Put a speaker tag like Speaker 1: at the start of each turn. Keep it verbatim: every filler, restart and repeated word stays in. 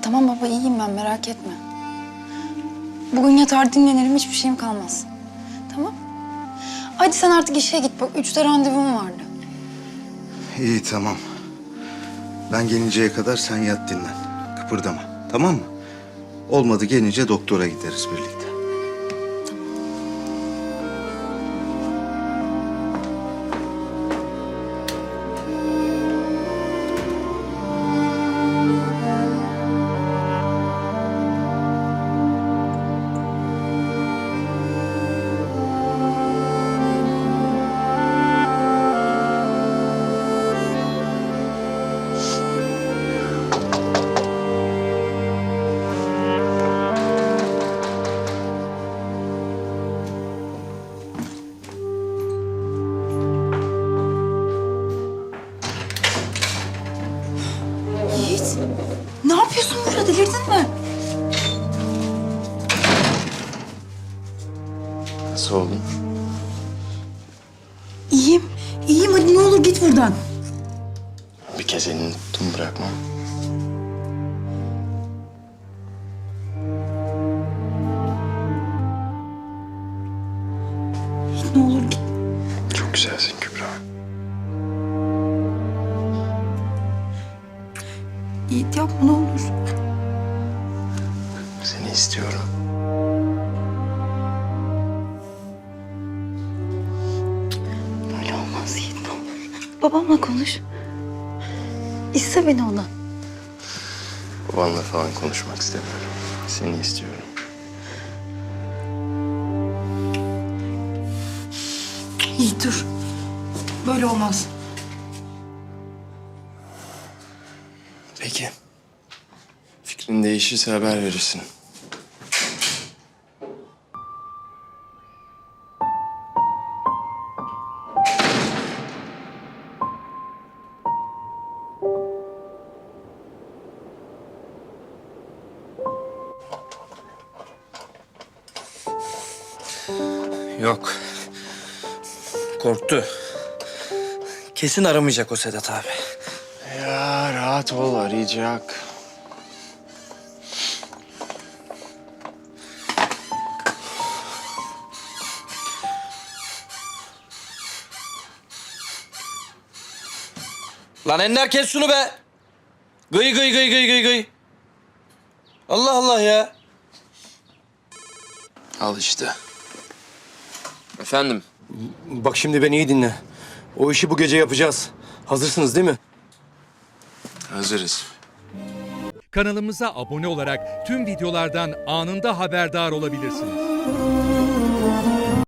Speaker 1: Tamam baba, iyiyim ben, merak etme. Bugün yatar dinlenirim, hiçbir şeyim kalmaz. Tamam. Hadi sen artık işe git, bak üçte randevum vardı.
Speaker 2: İyi tamam. Ben gelinceye kadar sen yat dinlen. Kıpırdama, tamam mı? Olmadı gelince doktora gideriz birlikte.
Speaker 1: Yiğit, ne yapıyorsun burada, delirdin mi?
Speaker 3: Nasıl oldun?
Speaker 1: İyiyim, iyiyim, hadi ne olur git buradan.
Speaker 3: Bir kez elini tuttum bırakmam.
Speaker 1: Yiğit, ne olur git.
Speaker 3: Çok güzelsin Kübra.
Speaker 1: Yiğit yapma ne olur.
Speaker 3: Seni istiyorum.
Speaker 1: Böyle olmaz Yiğit, ne olur. Babamla konuş. İste beni ona.
Speaker 3: Babanla falan konuşmak istemiyorum. Seni istiyorum.
Speaker 1: Yiğit dur. Böyle olmaz.
Speaker 3: Peki. Fikrin değişirse haber verirsin.
Speaker 4: Yok. Korktu. Kesin aramayacak o Sedat abi.
Speaker 3: Ya rahat ol, arayacak.
Speaker 4: Lan Ender kes şunu be. Gıy gıy gıy gıy gıy gıy. Allah Allah ya.
Speaker 3: Al işte. Efendim?
Speaker 5: Bak şimdi beni iyi dinle. O işi bu gece yapacağız. Hazırsınız değil mi?
Speaker 3: Hazırız.
Speaker 6: Kanalımıza abone olarak tüm videolardan anında haberdar olabilirsiniz.